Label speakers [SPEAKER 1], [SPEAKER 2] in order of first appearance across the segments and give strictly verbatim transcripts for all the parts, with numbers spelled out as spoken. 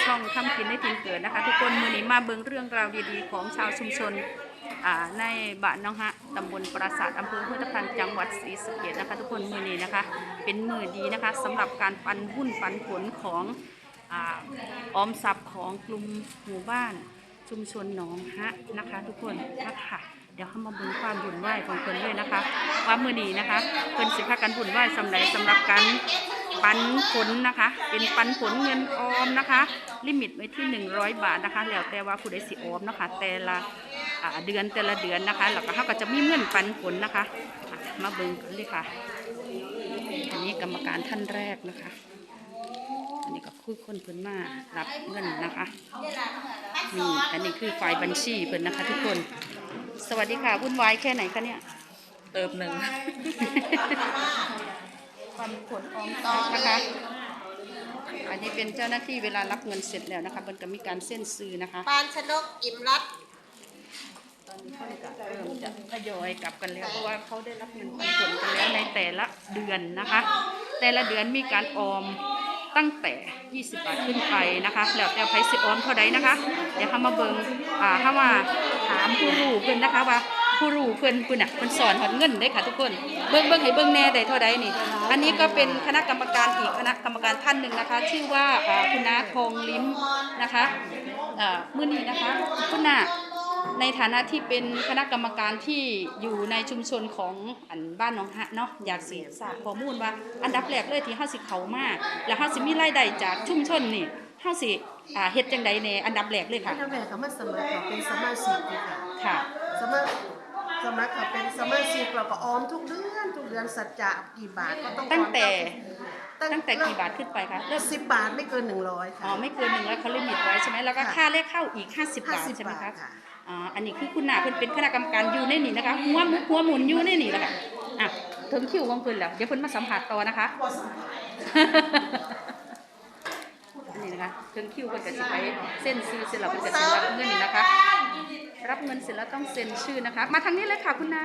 [SPEAKER 1] ช่องทำกินได้ทินเกิดนะคะทุกคนมือนี้มาเบิ่งเรื่องราวดีๆของชาวชุมชนในบ้านน้องฮะตำบลปราสาทอำเภอห้วยทับทันจังหวัดศรีสะเกษนะคะทุกคนมือนี้นะคะเป็นมือดีนะคะสำหรับการปันหุ้นปันผลของออมทรัพย์ของกลุ่มหมู่บ้านชุมชนหนองฮะนะคะทุกคนนะคะเดี๋ยวเข้ามาเบิ่งความบุญไหวของเพิ่นด้วยนะคะว่ามือนี้นะคะเพิ่นสิพากันบุญไหวสำหรับสำหรับการปันผลนะคะเป็นปันผลเงินออมนะคะลิมิตไว้ที่หนึ่งร้อยบาทนะคะแล้วแต่ว่าผู้ใดสิออมนะคะแต่ละเดือนแต่ละเดือนนะคะแล้วก็เขาก็จะมีเงินปันผลนะคะมาเบิ่งกันเลยค่ะอันนี้กรรมการท่านแรกนะคะอันนี้ก็คือคนเพิ่นมารับเงินนะคะนี่อันนี้คือฝ่ายบัญชีเพิ่นนะคะทุกคนสวัสดีค่ะวุ่นวายแค่ไหนคะเนี่ย
[SPEAKER 2] เติมหนึ่ง
[SPEAKER 1] ปันผลออมทรัพย์นะคะอันนี้เป็นเจ้าหน้าที่เวลารับเงินเสร็จแล้วนะคะมันก็มีการเส้นซื้อนะคะ
[SPEAKER 3] ปานชนกอิ่มรัต
[SPEAKER 1] ตอนนี้เขาจะเริ่มจะทยอยกลับกันแล้วเพราะว่าเขาได้รับเงินปันผลกันแล้วในแต่ละเดือนนะคะแต่ละเดือนมีการออมตั้งแต่ยี่สิบบาทขึ้นไปนะคะแล้วแต่ไพสิออมเท่าใดนะคะเดี๋ยวเขามาเบิ่งอ่าเขามาถามผู้รู้เพิ่นนะคะว่าผู้รู้เพิ่นเพิ่นน่ะเพิ่นสอนหอดเงินได้ค่ะทุกคนเบิ่งเบิ่งให้เบิ่งแน่ได้เท่าใดนี่อันนี้ก็เป็นคณะกรรมการอีกคณะกรรมการท่านหนึ่งนะคะชื่อว่าคุณน้าทองลิ้มนะคะมื้อนี้นะคะคุณน้าในฐานะที่เป็นคณะกรรมการที่อยู่ในชุมชนของอันบ้านหนองฮะเนาะอยากสิทราบข้อมูลว่าอันดับแรกเลยที่เฮาสิเข้ามาแล้วเฮาสิมีรายได้จากชุมชนนี่เฮาสิอ่าเฮ็ดจังได๋ในอันดับแรกเลยค่ะ
[SPEAKER 3] อันดับแรกก็มาสมัครเป็นสมาชิกค่ะ
[SPEAKER 1] ค่ะ
[SPEAKER 3] สมัครสมัครเป็นสมาชิกเราก็ออมทุกเดือนทุกเดือนสัจจะกี่บาทก็ต้อง
[SPEAKER 1] ตั้งแต่ตั้งแต่กี่บาทขึ้นไปคะ
[SPEAKER 3] เริ่มสิบบาทไม่เกินหนึ่งร้อยค่ะ
[SPEAKER 1] อ๋อไม่เกินหนึ่งร้อยเขาลิมิตไว้ใช่ไหมแล้วก็ค่าเลขเข้าอีกห้าสิบบาทใช่ไหมคะอ๋ออันนี้คือคุณน้าเพิ่นเป็นคณะกรรมการอยู่ในนี่นะคะหัวมุกหัวหมุนอยู่ในนี่แหละค่ะอ่ะถึงคิวของเพิ่นแล้วเดี๋ยวเพิ่นมาสัมผัสต่อนะคะอันนี้นะคะถึงคิวเพิ่นก็สิไปเซ็นชื่อเสร็จแล้วเพิ่นก็สิรับเงินนะคะรับเงินเสร็จแล้วต้องเซ็นชื่อนะคะมาทางนี้เลยค่ะคุณน้า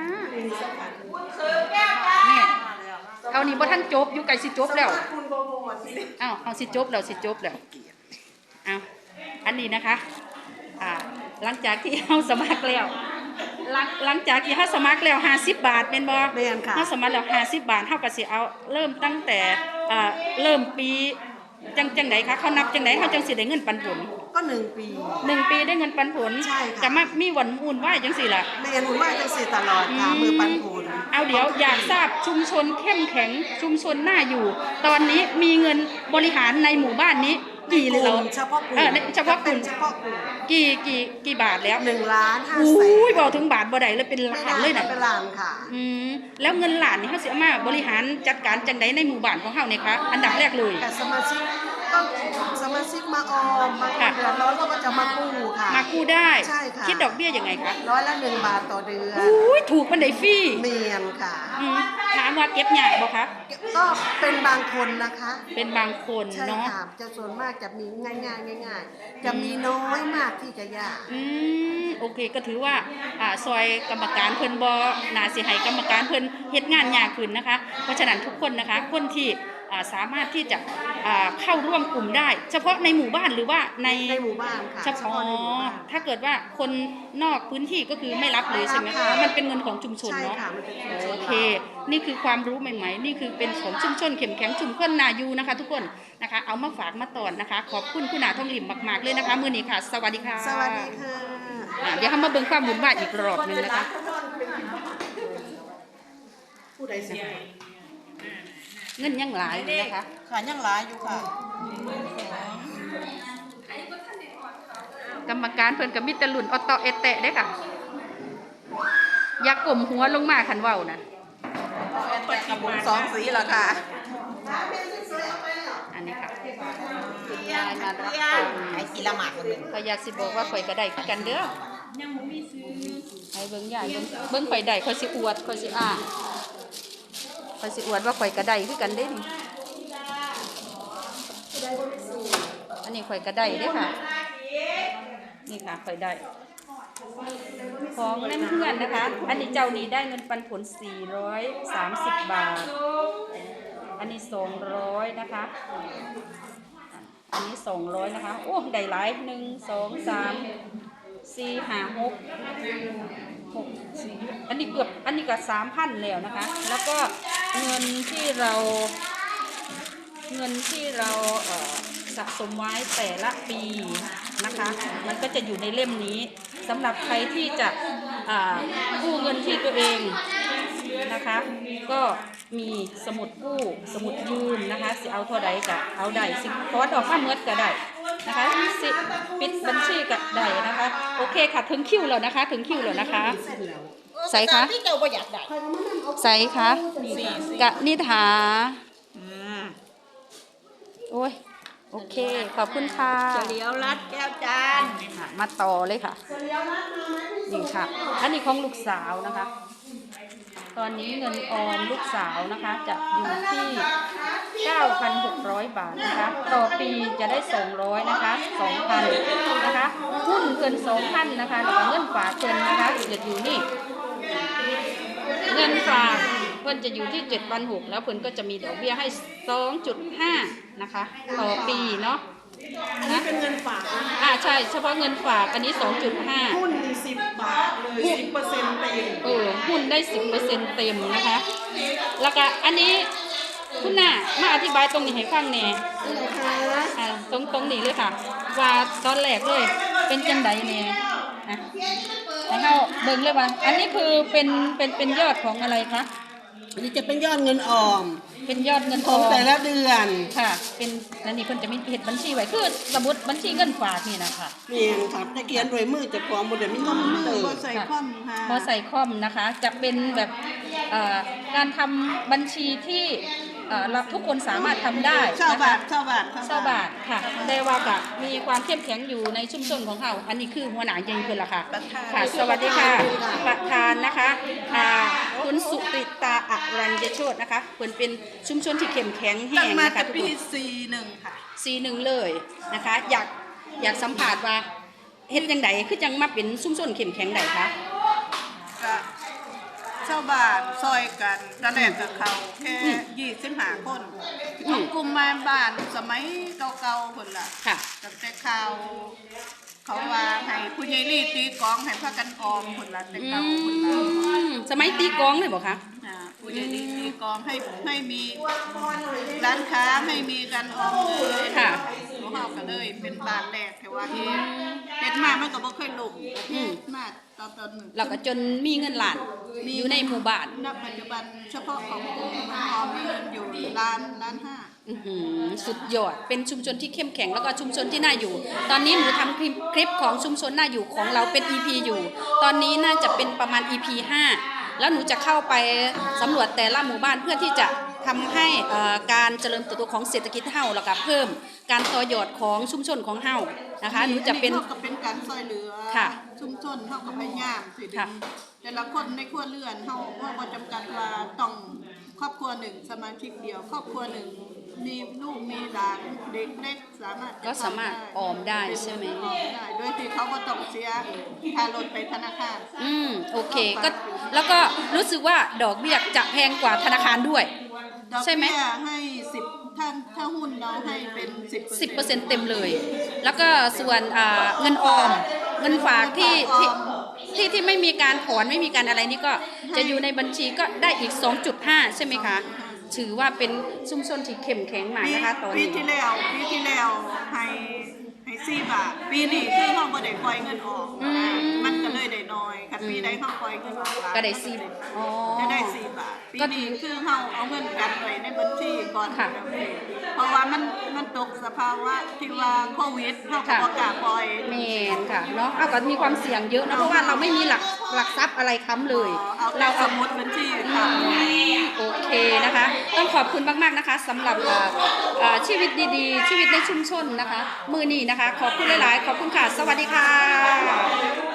[SPEAKER 1] นี่เอานี่บ่ทันจบอยู่ไกลสิจบแล้วอ้าวเอาสิจบแล้วสิจบแล้วอ้าวอันนี้นะคะอ่าหลังจากที่เฮาสมัครแล้วหลังหลังจากที่เฮาสมัครแล้วห้าสิบบาทเป็นบ่
[SPEAKER 3] แม่นค่ะ
[SPEAKER 1] เฮาสมัครแล้วห้าสิบบาทเฮาก็สิเอาเริ่มตั้งแต่อ่าเริ่มปีจังจังไดคะเขานับจังไดเฮาจังสิได้เงินปันผล
[SPEAKER 3] ก็หนึ่งปี
[SPEAKER 1] หนึ่งปีได้เงินปันผล
[SPEAKER 3] ใช่ค่ะ
[SPEAKER 1] จะมามีวันอุ่นไหวจังสิล่ะ
[SPEAKER 3] แม่นว่าจังสิตลอดค่ะมือปันผล
[SPEAKER 1] เอาเดี๋ยวอยากทราบชุมชนเข้มแข็งชุมชนน่าอยู่ตอนนี้มีเงินบริหารในหมู่บ้านนี้กี่เลยเรา
[SPEAKER 3] เฉพาะกลุ่ม
[SPEAKER 1] เออเฉพาะกลุ่ม
[SPEAKER 3] เฉพาะกลุ่ม
[SPEAKER 1] กี่กี่กี่บาทแล้ว
[SPEAKER 3] หนึ่งล้านห้าแสน
[SPEAKER 1] อุ้ยบอกถึงบาทบ่ได้เลยเป็นล้านเลยนะ
[SPEAKER 3] เป็นล้านค่ะ
[SPEAKER 1] อืมแล้วเงินล้านนี่เขาสิเอามาบริหารจัดการจังไดในหมู่บ้านของเฮาเนี่ยคะอันดับแรกเลย
[SPEAKER 3] แต่สมาชิกก็สมาชิกมาออมมาเดือนร้อนก็จะมากู้ค่ะ
[SPEAKER 1] มากู้ได้
[SPEAKER 3] ใช่ค่ะ
[SPEAKER 1] คิดดอกเบี้ยยังไงคะ
[SPEAKER 3] ร้อยละหนึ่งบาทต่อเดือน
[SPEAKER 1] อุ้ยถูกมันได้ฟรี
[SPEAKER 3] เมียนค่ะ
[SPEAKER 1] ถามว่าเก็บยากบ่คะ
[SPEAKER 3] ก็เป็นบางคนนะคะ
[SPEAKER 1] เป็นบางคนเนาะ
[SPEAKER 3] จะส่วนมากจะมีง่ายง่ายง่ายๆจะมีน้อยมากที่จะยาก
[SPEAKER 1] อืมโอเคก็ถือว่าอ่าซอยกรรมการเพิ่นบ่น่าสิให้กรรมการเพิ่นเฮ็ดงานยากขึ้นนะคะเพราะฉะนั้นทุกคนนะคะคนที่สามารถที่จะเข้าร่วมกลุ่มได้เฉพาะในหมู่บ้านหรือว่าใน
[SPEAKER 3] ในหมู่บ้านค่ะ
[SPEAKER 1] เฉพาะถ้าเกิดว่าคนนอกพื้นที่ก็คือไม่รับเลยใช่ไหมคะมันเป็นเงินของชุมชนเนาะโอเคนี่คือความรู้ใหม่ๆนี่คือเป็นของชุมชนเข้มแข็งชุมชนนายูนะคะทุกคนนะคะเอามาฝากมาตอนนะคะขอบคุณคุณน้าทองหลิมมากๆเลยนะคะมื้อนี้ค่ะสวัสดีค่ะ
[SPEAKER 3] สวัสดีค่ะ
[SPEAKER 1] เดี๋ยวเรามาเบิ่งความบุญบ้านอีกรอบนึงนะคะ
[SPEAKER 3] ผู้ใดเสีย
[SPEAKER 1] เงินยังหลายอยู่นะคะ
[SPEAKER 3] ค่ะยังหลายอยู่ค่ะ
[SPEAKER 1] กรรมการเพิ่นกับมิตรลุ่นออตโตเอเตะได้ค่ะอยากกลมหัวลงมาคันเว้านะ
[SPEAKER 3] กับบุญสองสีเหรอคะ
[SPEAKER 1] อันนี้ค่ะคุณยายมารับฟัง
[SPEAKER 3] ไอ้กีละหมาดคนหนึ่ง
[SPEAKER 1] ก็อยากสิบอกว่าข่อยก็ได้กันเด้อยังบ่มีซื้อให้เบิ่งยายเบิ่งเบิ่งข่อยได้ข่อยสิอวดข่อยสิอ้าข่อยสิอวดว่าข่อยกระไดคือกันเด้นี่อันนี้ข่อยกระไดเด้ค่ะนี่ค่ะข่อยได้ของเล่นเพื่อนนะคะอันนี้เจ้านี้ได้เงินปันผลสี่ร้อยสามสิบบาทอันนี้สองร้อยนะคะอันนี้สองร้อยนะคะโอ้ได้หลายหนึ่งสองสามสี่ห้าหกหกสี่อันนี้เกือบอันนี้ก็สามพันแล้วนะคะ แล้วก็เงินที่เราเงินที่เราเอ่อสะสมไว้แต่ละปีนะคะ มันก็จะอยู่ในเล่มนี้สำหรับใครที่จะอ่ากู้เงินที่ตัวเองนะคะ ก็มีสมุดกู้สมุดยืมนะคะสิเอาเท่าใดก็เอาได้สิขอดอกข้าเมื่อก็ได้นะคะสิปิดบัญชีก็ได้นะคะโอเคค่ะถึงคิวแล้วนะคะถึงคิวแล้วนะคะใส่คะ
[SPEAKER 2] ที่เจ้าบ่อยากได้
[SPEAKER 1] ใส่คะกะนิถา
[SPEAKER 2] อืม
[SPEAKER 1] โอ้ยโอเคขอบคุณค่ะ
[SPEAKER 2] เฉลียวรัดแก้วจาน
[SPEAKER 1] อ่ะมาต่อเลยค่ะนี่ค่ะอันนี้ของลูกสาวนะคะ ตอนนี้เงินออมลูกสาวนะคะจะอยู่ที่ เก้าพันหกร้อย บาทนะคะต่อปีจะได้สองร้อยนะคะสองพันนะคะหุ้นเกินสองพันนะคะแล้วก็เงินฝากเกินนะคะเกิดอยู่นี่เงินฝากเพิ่นจะอยู่ที่ เจ็ดพันหกร้อย แล้วเพิ่นก็จะมีดอกเบี้ยให้ สองจุดห้า นะคะต่อปีเนาะ
[SPEAKER 3] อันนี้เป็นเงินฝากนะคะ
[SPEAKER 1] อ่าใช่เฉพาะเงินฝากอันนี้ สองจุดห้า
[SPEAKER 3] หุ้นมีสิบบาทเลยสิบเปอร์เซ็นต์เต็ม
[SPEAKER 1] เออหุ้นได้ สิบเปอร์เซ็นต์ เต็มนะคะ แล้วก็อันนี้คุณน่ะมาอธิบายตรงนี้ให้ฟังแหน่
[SPEAKER 3] นะคะ
[SPEAKER 1] อ่าตรงตรงนี้เลยค่ะ ว่าตอนแรกเลยเป็นจังไดแหน่อ่ะให้เฮาเบิ่งเลยว่า อันนี้คือเป็นเป็นเป็นยอดของอะไรคะ
[SPEAKER 3] อันนี้จะเป็นยอดเงินออม
[SPEAKER 1] เป็นยอดเงิน
[SPEAKER 3] ของ
[SPEAKER 1] ออม
[SPEAKER 3] แต่ละเดือน
[SPEAKER 1] ค่ะ เป็นนั่นนี่เพิ่นจะมีเฮ็ดบัญชีไว้คือสมุดบัญชีเงินฝากนี่นะคะ
[SPEAKER 3] เมียนครับจะเขียนโดวยมือจะพร้อมบนเดี๋ยวมีคอมพิวเตอร์
[SPEAKER 2] บ่ใส่คอมค่ะ
[SPEAKER 1] พอใส่คอมนะคะ จะเป็นแบบเอ่อการทำบัญชีที่เอ่อเราทุกคนสามารถทำได้
[SPEAKER 3] เช่า
[SPEAKER 1] นะ
[SPEAKER 3] บา
[SPEAKER 1] คะ
[SPEAKER 3] ทเช่าบาท
[SPEAKER 1] เศร้าบาทค่ะได้ว่ากะมีความเข้มแข็งอยู่ในชุมชนของเราอันนี้คือหัวหน้าใหญ่เพิ่นล่ะค่ะ
[SPEAKER 2] ประธาน
[SPEAKER 1] ค่ะ สวัสดีค่ะประธานนะคะอ่าคุณสุตริตาอรัญญโชตินะคะเพิ่นเป็นชุมชนที่เข้มแข็งแห้
[SPEAKER 2] ตั้ง
[SPEAKER 1] ง
[SPEAKER 2] มา
[SPEAKER 1] นะคะ
[SPEAKER 2] แต่
[SPEAKER 1] ทุก
[SPEAKER 2] ปี
[SPEAKER 1] คน
[SPEAKER 2] สี่หนึ่งค่ะ
[SPEAKER 1] ซีหนึ่งเลยนะคะ อยากอยากสัมผัสว่าเฮ็ดจังไดคือจังมาเป็นชุมชนเข้มแข็งได้คะ
[SPEAKER 2] ก็ชาวบ้านซอยกันตะแหลกกับเขาแค่ยี่สิบห้าคนของกลุ่มแม่บ้านสมัยเก่าๆคนละ
[SPEAKER 1] ค่ะ
[SPEAKER 2] ตั้งแต่ข่าวเขาว่าให้ผู้ใหญ่รีตีกลองให้พากันออมคนละแต่
[SPEAKER 1] อื
[SPEAKER 2] เก่าคนละ
[SPEAKER 1] มสมัยตีกลองเลยบ่คะ
[SPEAKER 2] อ่าผู้ใหญ่รีตีกลองให้ให้มีร้านค้าให้มีการออมเลย
[SPEAKER 1] ค่ะ
[SPEAKER 2] ของเขาก็เลยเป็นบ้านแรกแต่ว่าเฮ็ดเฮ็ดมามันก็บ่เคยล่ม
[SPEAKER 1] อืม
[SPEAKER 2] มาตอนตอนหนึ่ง
[SPEAKER 1] แล้วก็จนมีเงินล้านอยู่ในหมู่บ้าน
[SPEAKER 2] ณปัจจุบันเฉพาะของกลุ่มออมมีเงินอยู่ล้านล้านห้า
[SPEAKER 1] อื้อหือสุดยอด เป็นชุมชนที่เข้มแข็งแล้วก็ชุมชนที่น่าอยู่ ตอนนี้หนูทำคลิปคลิปของชุมชนน่าอยู่ของเราเป็น อี พี อยู่ ตอนนี้น่าจะเป็นประมาณ อี พี ห้า แล้วหนูจะเข้าไปสำรวจแต่ละหมู่บ้านเพื่อที่จะทำให้เอ่อการเจริญเติบโตของเศรษฐกิจเฮาแล้วก็เพิ่มการต่อยอดของชุมชนของเฮานะคะ หนูจะเป็น
[SPEAKER 2] ท่ากับเป็นการซอยเหลือ
[SPEAKER 1] ค่ะ
[SPEAKER 2] ชุมชนเท่ากับพยายามสิ
[SPEAKER 1] ค่ะ
[SPEAKER 2] แต่ละคนในครัวเรือนเท่าว่าบ่จำกัดว่าต้องครอบครัวหนึ่งสมาชิกเดียว ครอบครัวหนึ่งมีลูกมีหลานเด็กเล็กสามารถจะ
[SPEAKER 1] ก็สามารถออมได้ใช่ไหม
[SPEAKER 2] ออมได้โดยที่เขาบ่ต้องเสียค่ารถไปธนาคาร
[SPEAKER 1] อืมโอเคก็แล้วก็รู้สึกว่าดอกเบี้ยจะแพงกว่าธนาคารด้วย
[SPEAKER 2] ดอก
[SPEAKER 1] ใช่ไหม
[SPEAKER 2] เบี้ยให้สิบถ้าถ้าหุ้นเราให้เป็นสิบ
[SPEAKER 1] สิบเปอร์เซ็นต์เต็มเลย แล้วก็ส่วนอ่าเงินออม เงินฝากที่ที่ที่ที่ไม่มีการถอนไม่มีการอะไรนี่ก็จะอยู่ในบัญชีก็ได้อีก สองจุดห้า ใช่ไหมคะ ถือว่าเป็นชุมชนที่เข้มแข็งมากนะคะตอน
[SPEAKER 2] ปี
[SPEAKER 1] นี้
[SPEAKER 2] ที่แล้วปีที่แล้วให้ให้สี่บาท ปีนี้คือเราบ่ได้ปล่อยเงินออก
[SPEAKER 1] อืม
[SPEAKER 2] มันก็เลยได้น้อยคันปีใดเราปล่อยเงินออกหลาย
[SPEAKER 1] ก็ได้สี่อ๋อ
[SPEAKER 2] จะได้สี่บาทปี
[SPEAKER 1] ก็
[SPEAKER 2] นี้คือเราเอาเงินกันไว้ในบัญชีก่อน
[SPEAKER 1] ค่ะ
[SPEAKER 2] เพราะว่ามันมันตกสภาวะที่ว่าโควิดเราก็
[SPEAKER 1] ค่ะ
[SPEAKER 2] บ่กล้าปล่อย
[SPEAKER 1] แมนค่ะเนาะเอาก็มีความเสี่ยงเยอะนะเพราะว่าเราไม่มีหลักหลักทรัพย์อะไรค้ำเลย
[SPEAKER 2] เอาแต่
[SPEAKER 1] เรา
[SPEAKER 2] ส
[SPEAKER 1] เอา
[SPEAKER 2] มุดบัญชีค่ะ
[SPEAKER 1] โอเคนะคะ ต้องขอบคุณมากๆนะคะสำหรับเอ่อเอ่อชีวิตดีๆ ชีวิตในชุมชนนะคะ มือนี้นะคะ ขอบคุณหลายๆ ขอบคุณค่ะ สวัสดีค่ะ